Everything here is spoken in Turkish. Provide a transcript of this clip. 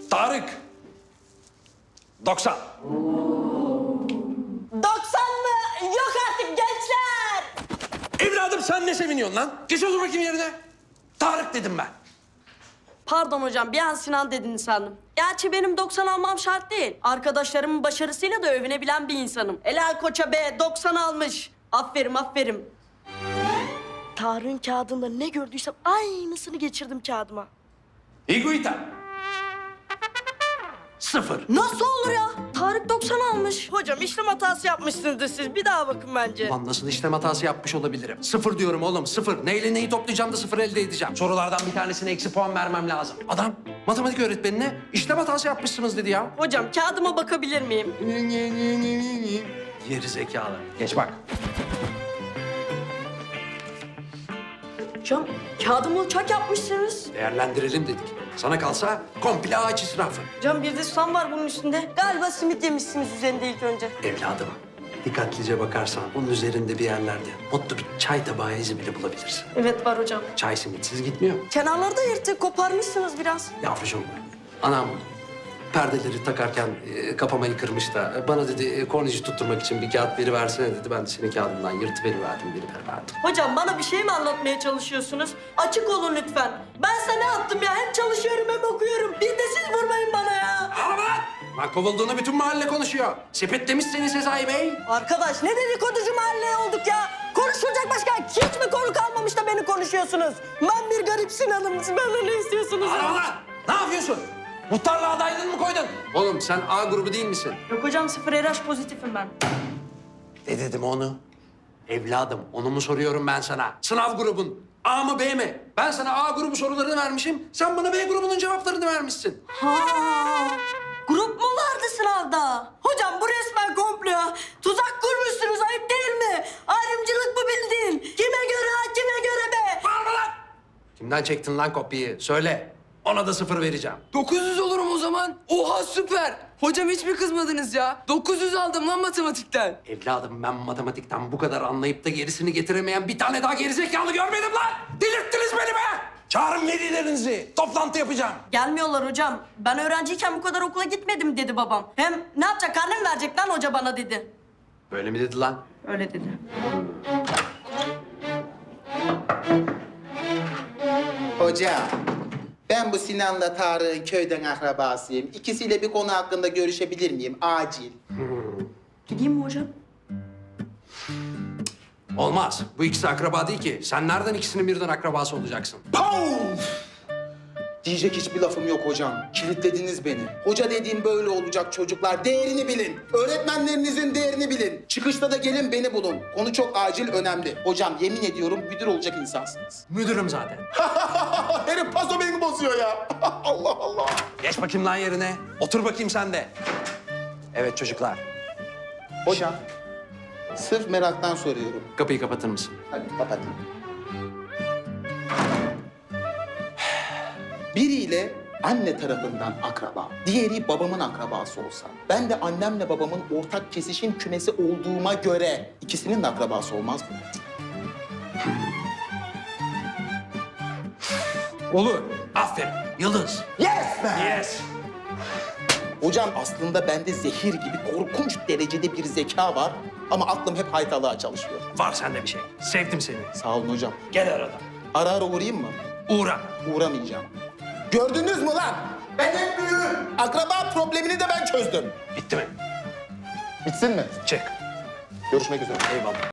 Tarık. 90. 90 mı? Yok artık gençler. Evladım sen ne seviniyorsun lan? Geç otur bakayım yerine. Tarık dedim ben. Pardon hocam, bir an Sinan dediniz sandım. Gerçi benim 90 almam şart değil. Arkadaşlarımın başarısıyla da övünebilen bir insanım. Helal koça be, 90 almış. Aferin, aferin. Tarık'ın kağıdında ne gördüysem aynısını geçirdim kağıdıma. Higuita. 0. Nasıl olur ya? Tarık 90 almış. Hocam işlem hatası yapmışsınızdır siz. Bir daha bakın bence. Lan nasıl işlem hatası yapmış olabilirim? 0 diyorum oğlum, 0. Neyle neyi toplayacağım da 0 elde edeceğim. Sorulardan bir tanesine eksi puan vermem lazım. Adam matematik öğretmenine işlem hatası yapmışsınız dedi ya. Hocam kağıdıma bakabilir miyim? Geri zekalı. Geç bak. Hocam kağıdımı uçak yapmışsınız. Değerlendirelim dedik. Sana kalsa komple ağaç israfı. Hocam bir de susam var bunun üstünde. Galiba simit yemişsiniz üzerinde ilk önce. Evladım, dikkatlice bakarsan bunun üzerinde bir yerlerde mutlu bir çay tabağı izi bile bulabilirsin. Evet var hocam. Çay simitsiz gitmiyor. Kenarları da yırtık, koparmışsınız biraz. Yavrucuğum, anam perdeleri takarken kapamayı kırmış da bana dedi kornici tutturmak için bir kağıt veriversene dedi. Ben de senin kağıdından yırtıveriverdim, veriverdim. Hocam bana bir şey mi anlatmaya çalışıyorsunuz? Açık olun lütfen. Ben sana ne yaptım ya? Hem çalışıyorum hem okuyorum. Bir de siz vurmayın bana ya. Ağlama lan! Lan kovulduğunu bütün mahalle konuşuyor. Sepetlemiş seni Sezai Bey. Arkadaş ne dedikoducu mahalle olduk ya? Konuşulacak başka hiç mi konu kalmamış da beni konuşuyorsunuz? Ben bir garip Sinan'ım. Siz benden ne istiyorsunuz? Ağlama lan! Ne yapıyorsun? Muhtarlığa adaylığını mı koydun? Oğlum sen A grubu değil misin? Yok hocam, 0 RH pozitifim ben. Ne dedim onu? Evladım, onu mu soruyorum ben sana? Sınav grubun A mı B mi? Ben sana A grubu sorularını vermişim, sen bana B grubunun cevaplarını vermişsin. Ha, grup mu vardı sınavda? Hocam bu resmen komplo. Tuzak kurmuşsunuz, ayıp değil mi? Ayrımcılık bu bildiğin. Kime göre ha, kime göre be? Bağırma lan! Kimden çektin lan kopyayı? Söyle. Ona da 0 vereceğim. 900 olurum o zaman. Oha süper. Hocam hiç mi kızmadınız ya? 900 aldım lan matematikten. Evladım ben matematikten bu kadar anlayıp da gerisini getiremeyen bir tane daha gerizekalı görmedim lan! Delirttiniz beni be! Çağırın velilerinizi. Toplantı yapacağım. Gelmiyorlar hocam. Ben öğrenciyken bu kadar okula gitmedim dedi babam. Hem ne yapacak, karne mi verecek lan hoca bana dedi. Böyle mi dedi lan? Öyle dedi. Hocam, ben bu Sinan'la Tarık'ın köyden akrabasıyım. İkisiyle bir konu hakkında görüşebilir miyim? Acil. Gideyim mi hocam? Olmaz. Bu ikisi akraba değil ki. Sen nereden ikisinin birden akrabası olacaksın? Paf! Diyecek hiçbir lafım yok hocam. Kilitlediniz beni. Hoca dediğim böyle olacak çocuklar. Değerini bilin. Öğretmenlerinizin değerini bilin. Çıkışta da gelin beni bulun. Konu çok acil, önemli. Hocam yemin ediyorum müdür olacak insansınız. Müdürüm zaten. Herif paso beni bozuyor ya. Allah Allah. Geç bakayım lan yerine. Otur bakayım sen de. Evet çocuklar. Hocam, sırf meraktan soruyorum. Kapıyı kapatır mısın? Hadi kapatın. Biriyle anne tarafından akraba, diğeri babamın akrabası olsa, ben de annemle babamın ortak kesişim kümesi olduğuma göre ikisinin de akrabası olmaz mı? Olur. Aferin. Yıldız. Yes be! Yes. Hocam aslında bende zehir gibi korkunç derecede bir zeka var ama aklım hep haytalığa çalışıyor. Var sende bir şey. Sevdim seni. Sağ olun hocam. Gel arada. Ara ara uğrayayım mı? Uğra. Uğramayacağım. Gördünüz mü lan? Ben en büyüğüm. Akraba problemini de ben çözdüm. Bitti mi? Bitsin mi? Çek. Görüşmek üzere. Eyvallah.